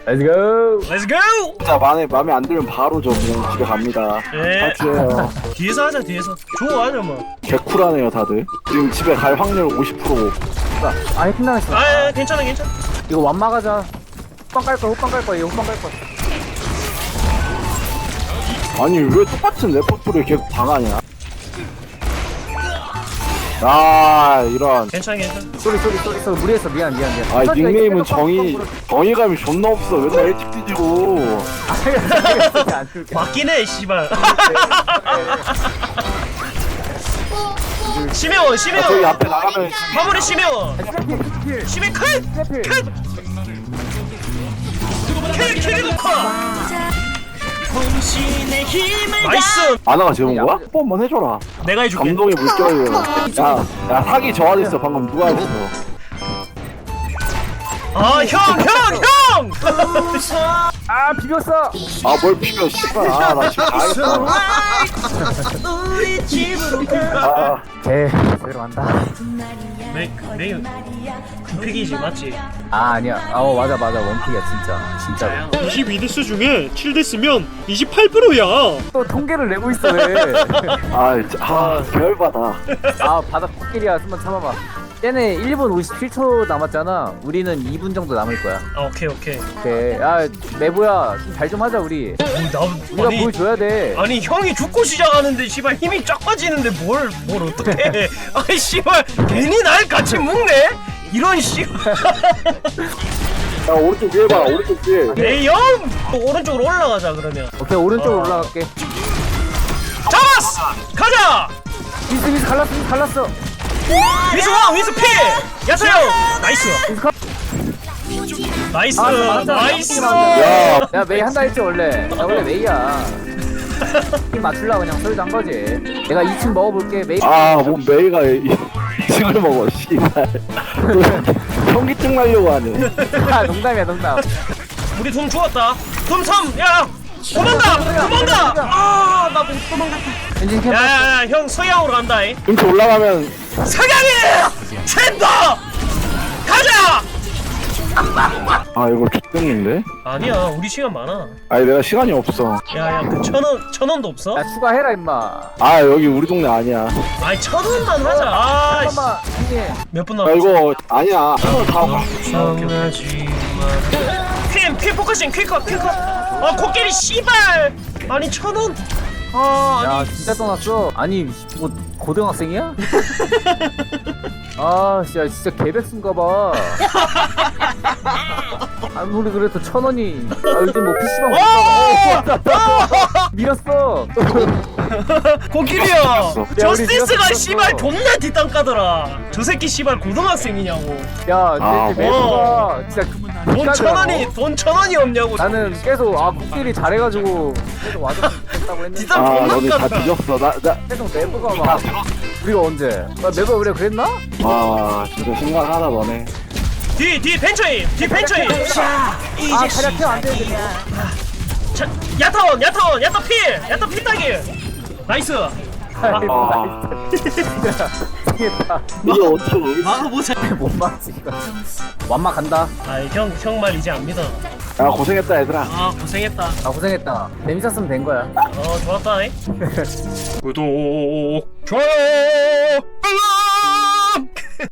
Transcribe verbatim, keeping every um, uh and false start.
렛츠고. 렛츠고! 진짜 마음에 마음에 안 들면 바로 저 그냥 집에 갑니다. 예. 파티에요. 뒤에서 하자 뒤에서. 좋아하자 뭐. 개쿨하네요 다들. 지금 집에 갈 확률 오십 퍼센트. 아 해킹 당했어. 아 예, 괜찮아 괜찮아. 이거 완마 가자. 호빵 깔 거야 호빵 깔 거야 이거 호빵 깔 거야. 아니 왜 똑같은 레퍼토리를 계속 당하냐? 아 이런. 괜찮아 괜찮아. 쏘리 쏘리 쏘리 쏘리 무리했어 미안 미안 미안. 아 선지가 닉네임은 이렇게 정의 빡 정의감이 존나 없어. 맨날 일찍 뒤지고. 빡 안 줄게. 맞긴 해 씨발. 심해워 아, 저기 심해워. 앞에 나가면 마무리 심해워. 킬. 심해 컷! 킬. 킬! 킬이 커! 나이스! 아나가 재운 거야? 한 번만 해줘라. 내가 해줄게. 감동의 물결이에요. 야, 야 사기 저하됐어 방금 누가 했어? 아, 형, 형, 형! 아 비볐어. 아 뭘 비벼 씨발. 아나 지금 다 했어. 아, 개 들어간다. 메, 메인 굿픽이지, 맞지? 아 아니야. 아어 맞아 맞아 원픽이야 진짜 진짜로. 이십이 데스 중에 칠 데스면 이십팔 퍼센트야. 또 통계를 내고 있어 왜? 아, 진짜, 아 개열받아. 아 바닥 코끼리야 좀만 참아봐. 얘네 일 분 오십칠 초 남았잖아. 우리는 이 분 정도 남을 거야. 아, 오케이, 오케이. 오케이. 야 메보야 잘 좀 하자 우리. 어, 나, 우리가 아니, 보여줘야 돼. 아니, 형이 죽고 시작하는데, 씨발, 힘이 쫙 빠지는데 뭘, 뭘 어떡해. 아이, 씨발, 괜히 날 같이 묶네? 이런 씨발. 야 오른쪽 위에 봐. 오른쪽 위에. 에이, 형! 오른쪽으로 올라가자, 그러면. 오케이 오른쪽으로 어. 올라갈게. 잡았어! 가자! 미스 미스 갈랐어 미스 갈랐어. 위스 원, 위스 피! 야타 형! 나이스! 나이스! 아, 맞아, 나이스! 야, 야 메이 한다 했지 원래. 나 원래 메이야. 힘 맞출라 그냥 소리도 한 거지. 내가 이 층 먹어볼게 메이. 아뭐 메이가 이걸 먹어 씨발. 현기증 날려고 하네. 아 농담이야 농담. 우리 돈 주웠다! 돈 삼! 야! 도망가! 도망가! 아, 나 못 도망갔다. 엔진 캠. 야야야, 형 서양으로 간다, 이. 이렇게 올라가면 서양이! 챈다! 가자! 아 이거 X등인데? 아니야, 우리 시간 많아. 아니 내가 시간이 없어. 야야, 그 천 원, 천 원도 없어? 야 추가해라 임마. 아 여기 우리 동네 아니야. 아이, 천 원만 하자. 아, 씨. 잠깐만 형님. 몇 분 야 남았어? 이거 아니야. 이거 다 퀸! 퀸 포커싱! 퀸컷! 퀸컷! 아, 코끼리 씨발! 아니, 천 원! 아, 야 아니. 진짜 떠났어. 아니 뭐 고등학생이야? 아 진짜 진짜 개백수인가봐. 아무리 그래도 천 원이. 아 요즘 뭐 피시방 못 밀었어. 코끼리야! 우리 저스티스가 밀었어. 씨발 존나 뒷땅 까더라! 저 새끼 씨발 고등학생이냐고. 야 아, 내 매수가 진짜 돈 천 원이, 돈 천 원이 없냐고. 나는 계속 아 국길이 잘해가지고 계속 와줬으면 좋겠다고 했는데 뒷땅 아 존나 너네 다 깠다. 뒤졌어. 나나 계속 매부가 막 우리가 언제? 나 매부가 우리가 그랬나? 아 진짜 심각하다 너네. 뒤, 뒤 벤처임! 뒤 벤처임! 자, 이제 아 차량 태안 되는데. 자, 야타원! 야타원! 야타 필! 야타 필따기! 나이스! 아 미치겠다. 이게 어떻게 모르겠어. 막아보자. 못 막지 이거. 완막 간다. 아이, 형, 형 말 이제 안 믿어. 야 고생했다 얘들아. 아, 고생했다. 아 고생했다. 재밌었으면 된 거야. 어, 좋았다, 이. 구독. 좋아요!